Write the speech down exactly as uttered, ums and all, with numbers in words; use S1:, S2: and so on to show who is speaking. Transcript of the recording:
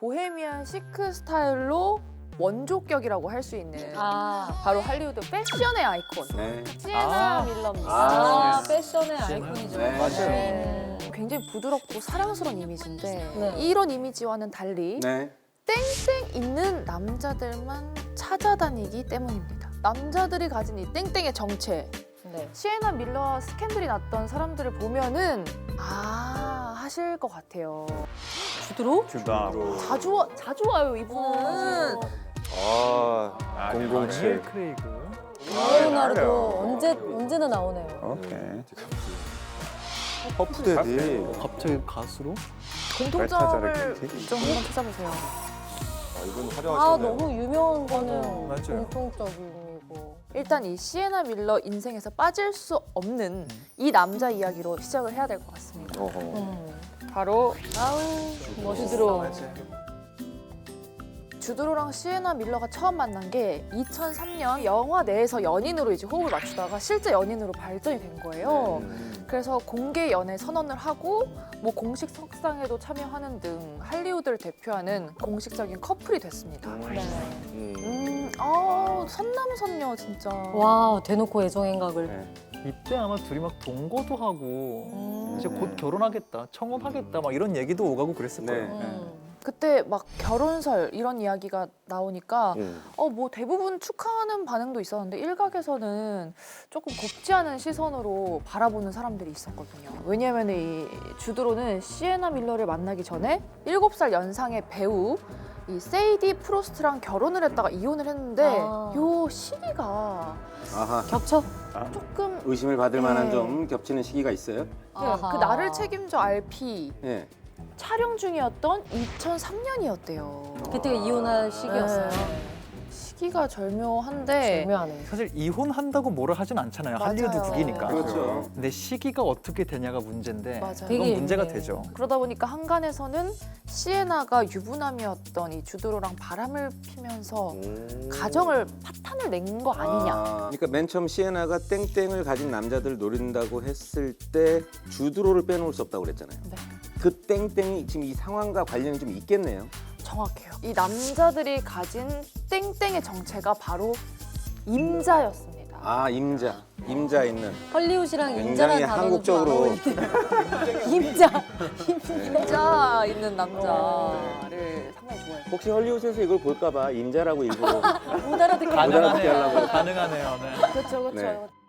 S1: 보헤미안 시크 스타일로 원조격이라고 할 수 있는
S2: 아,
S1: 바로 할리우드 패션의 아이콘
S3: 네.
S1: 시에나
S4: 아.
S1: 밀러입니다.
S2: 아,
S3: 아,
S2: 패션의 아이콘이죠.
S3: 네.
S4: 맞아요.
S2: 네.
S1: 굉장히 부드럽고 사랑스러운 이미지인데
S2: 네.
S1: 이런 이미지와는 달리
S3: 네.
S1: 땡땡 있는 남자들만 찾아다니기 때문입니다. 남자들이 가진 이 땡땡의 정체,
S2: 네.
S1: 시에나 밀러와 스캔들이 났던 사람들을 보면은 아 하실 것 같아요. 주드로?
S4: 주다.
S1: 자주 와, 자주 와요 이분은.
S3: 아, 공공칠.
S4: 크레이그.
S2: 레오나르도 언제 언제나 나오네요.
S3: 오케이. 퍼프데디.
S4: 갑자기 가수로?
S1: 공통점을
S3: 벨타자르
S1: 좀 한번 찾아보세요.
S3: 아, 이건
S2: 아,
S3: 화려하시네.
S2: 너무 유명한 거는
S4: 맞아요.
S2: 공통적이고.
S1: 일단 이 시에나 밀러 인생에서 빠질 수 없는 이 남자 이야기로 시작을 해야 될 것 같습니다.
S3: 어허.
S2: 음.
S1: 바로
S2: 아우, 멋있어.
S1: 주드로. 주드로랑 시에나 밀러가 처음 만난 게 이천삼 년 영화 내에서 연인으로 이제 호흡을 맞추다가 실제 연인으로 발전이 된 거예요.
S3: 음.
S1: 그래서 공개 연애 선언을 하고 뭐 공식 석상에도 참여하는 등 할리우드를 대표하는 공식적인 커플이 됐습니다.
S2: 네.
S3: 음.
S1: 음, 아 선남선녀 진짜.
S2: 와, 대놓고 애정행각을.
S3: 네.
S4: 이때 아마 둘이 막 동거도 하고
S2: 음.
S4: 이제 곧 결혼하겠다, 청혼하겠다 막 이런 얘기도 오가고 그랬을
S3: 네.
S4: 거예요.
S2: 음.
S1: 그때 막 결혼설 이런 이야기가 나오니까
S3: 음.
S1: 어 뭐 대부분 축하하는 반응도 있었는데 일각에서는 조금 곱지 않은 시선으로 바라보는 사람들이 있었거든요. 왜냐하면 이 주드로는 시에나 밀러를 만나기 전에 일곱 살 연상의 배우 이 세이디 프로스트랑 결혼을 했다가 이혼을 했는데
S2: 아.
S1: 요 시기가
S3: 아하.
S2: 겹쳐?
S1: 조금
S3: 의심을 받을 만한
S1: 네.
S3: 좀 겹치는 시기가 있어요?
S2: 아하.
S1: 그 나를 책임져 알피
S3: 예.
S1: 촬영 중이었던 이천삼 년이었대요.
S2: 그때가 이혼할 시기였어요.
S1: 시기가 절묘한데
S2: 절묘하네.
S4: 사실 이혼한다고 뭐라 하진 않잖아요.
S1: 맞아요.
S4: 할리우드 국이니까.
S3: 그렇죠.
S4: 근데 시기가 어떻게 되냐가 문제인데
S1: 맞아요.
S4: 그건
S2: 되게
S4: 문제가
S2: 예민해요.
S4: 되죠.
S1: 그러다 보니까 한간에서는 시에나가 유부남이었던 이 주드로랑 바람을 피면서
S3: 음.
S1: 가정을 파탄을 낸 거 아니냐.
S3: 아, 그러니까 맨 처음 시에나가 땡땡을 가진 남자들을 노린다고 했을 때 주드로를 빼놓을 수 없다고 그랬잖아요.
S1: 네,
S3: 그 땡땡이 지금 이 상황과 관련이 좀 있겠네요.
S1: 정확해요. 이 남자들이 가진 땡땡의 정체가 바로 임자였습니다.
S3: 아, 임자. 임자 있는.
S2: 헐리우드랑
S3: 굉장히
S2: 인자란 단어는
S3: 한국적으로.
S2: 좀 안 어울리네요. 임자.
S1: 임자 있는 남자를 상당히 좋아해요.
S3: 혹시 헐리우드에서 이걸 볼까봐 임자라고 일부러
S2: 못 알아듣게.
S3: 알아듣게
S4: 가능하네요.
S3: 하려고.
S4: 가능하네요. 네.
S1: 그렇죠, 그렇죠.
S3: 네.